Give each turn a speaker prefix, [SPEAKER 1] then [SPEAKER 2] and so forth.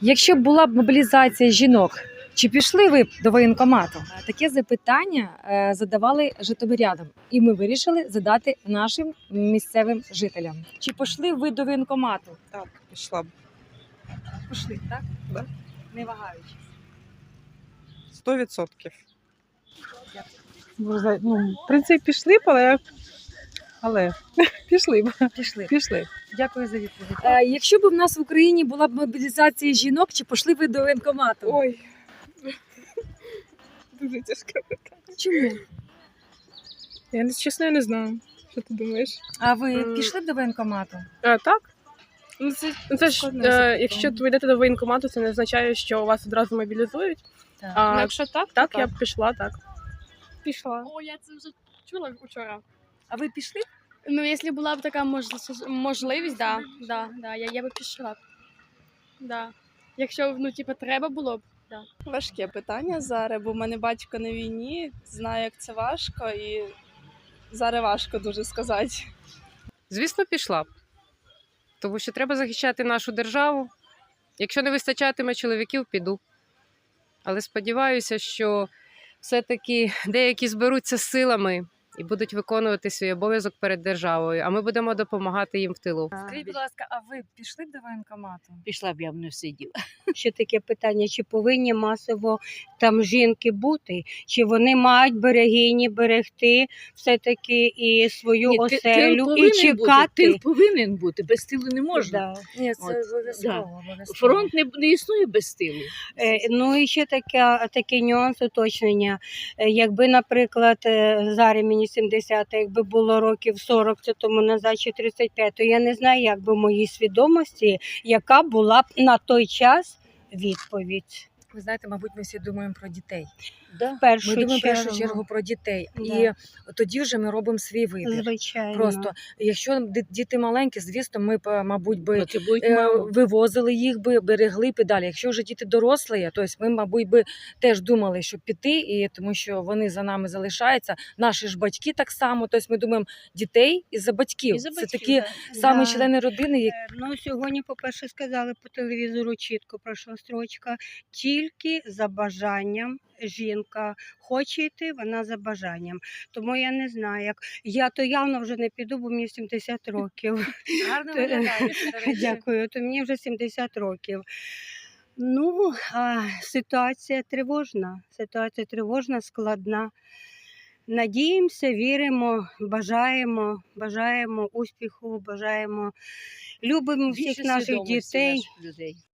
[SPEAKER 1] Якщо б була б мобілізація жінок, чи пішли ви б до воєнкомату? Таке запитання задавали житомирянам, і ми вирішили задати нашим місцевим жителям. Чи пішли ви до воєнкомату?
[SPEAKER 2] Так, пішла б.
[SPEAKER 1] Пішли, так?
[SPEAKER 2] Да.
[SPEAKER 1] Не вагаючись.
[SPEAKER 2] 100%.
[SPEAKER 3] Ну, в принципі, пішли б, але пішли б.
[SPEAKER 1] Пішли.
[SPEAKER 3] Пішли.
[SPEAKER 1] Дякую за відповідь. Якщо б в нас в Україні була б мобілізація жінок, чи пішли ви до воєнкомату?
[SPEAKER 2] Ой. Дуже тяжке питання.
[SPEAKER 1] Чому?
[SPEAKER 2] Чесно, я не знаю. Що ти думаєш?
[SPEAKER 1] А ви пішли б до воєнкомату?
[SPEAKER 4] Так. Це ж,
[SPEAKER 1] Складне запитання.
[SPEAKER 4] якщо ви йдете до воєнкомату, це не означає, що вас одразу мобілізують.
[SPEAKER 1] Так.
[SPEAKER 4] А,
[SPEAKER 2] якщо так,
[SPEAKER 4] так, я б пішла, так. Пішла.
[SPEAKER 5] О, я це вже чула вчора.
[SPEAKER 1] А ви пішли?
[SPEAKER 5] Ну, якщо була б така можливість, я би пішла. Да. Якщо, треба було б.
[SPEAKER 6] Важке питання зараз, бо в мене батько на війні, знаю, як це важко, і зараз важко дуже сказати.
[SPEAKER 7] Звісно, пішла б. Тому що треба захищати нашу державу. Якщо не вистачатиме чоловіків, піду. Але сподіваюся, що все-таки деякі зберуться з силами і будуть виконувати свій обов'язок перед державою, а ми будемо допомагати їм в тилу.
[SPEAKER 1] Скажіть, будь ласка, а ви пішли б до воєнкомату?
[SPEAKER 8] Пішла б, я б не сиділа.
[SPEAKER 9] Ще таке питання, чи повинні масово там жінки бути, чи вони мають берегині берегти все-таки і свою оселю, і чекати.
[SPEAKER 8] Тил повинен бути, без тилу не можна.
[SPEAKER 9] Да.
[SPEAKER 1] Ні, це
[SPEAKER 8] От,
[SPEAKER 1] обов'язково.
[SPEAKER 8] Фронт не існує без тилу.
[SPEAKER 9] Ну і ще такий нюанс уточнення. Якби, наприклад, зараз мені 70, якби було років 40 це тому назад чи 35, то я не знаю, як би в моїй свідомості, яка була б на той час відповідь.
[SPEAKER 1] Ви знаєте, мабуть, ми всі думаємо про дітей.
[SPEAKER 9] В першу
[SPEAKER 1] Ми думаємо в першу
[SPEAKER 9] чергу.
[SPEAKER 1] чергу про дітей.
[SPEAKER 9] Да.
[SPEAKER 1] І тоді вже ми робимо свій вибір.
[SPEAKER 9] Звичайно.
[SPEAKER 1] Просто, якщо діти маленькі, звісно, ми б, мабуть,
[SPEAKER 8] Це буде мало.
[SPEAKER 1] вивозили їх би, берегли б і далі. Якщо вже діти дорослі, то ми, мабуть, би теж думали, що піти, і тому що вони за нами залишаються. Наші ж батьки так само. Тобто ми думаємо дітей і за батьків. Це такі самі
[SPEAKER 9] Да.
[SPEAKER 1] члени родини, які
[SPEAKER 9] Ну, сьогодні, по-перше, сказали по телевізору чітко, пройшла строчка, тільки за бажанням жінка хоче йти, вона за бажанням. Тому я не знаю, як я то явно вже не піду, бо мені 70 років.
[SPEAKER 1] гарно виглядають. до речі.
[SPEAKER 9] Дякую, то мені вже 70 років. Ну, ситуація тривожна, складна. Надіємося, віримо, бажаємо успіху, любимо всіх
[SPEAKER 8] Більше
[SPEAKER 9] наших
[SPEAKER 8] свідомості
[SPEAKER 9] дітей.
[SPEAKER 8] наших людей.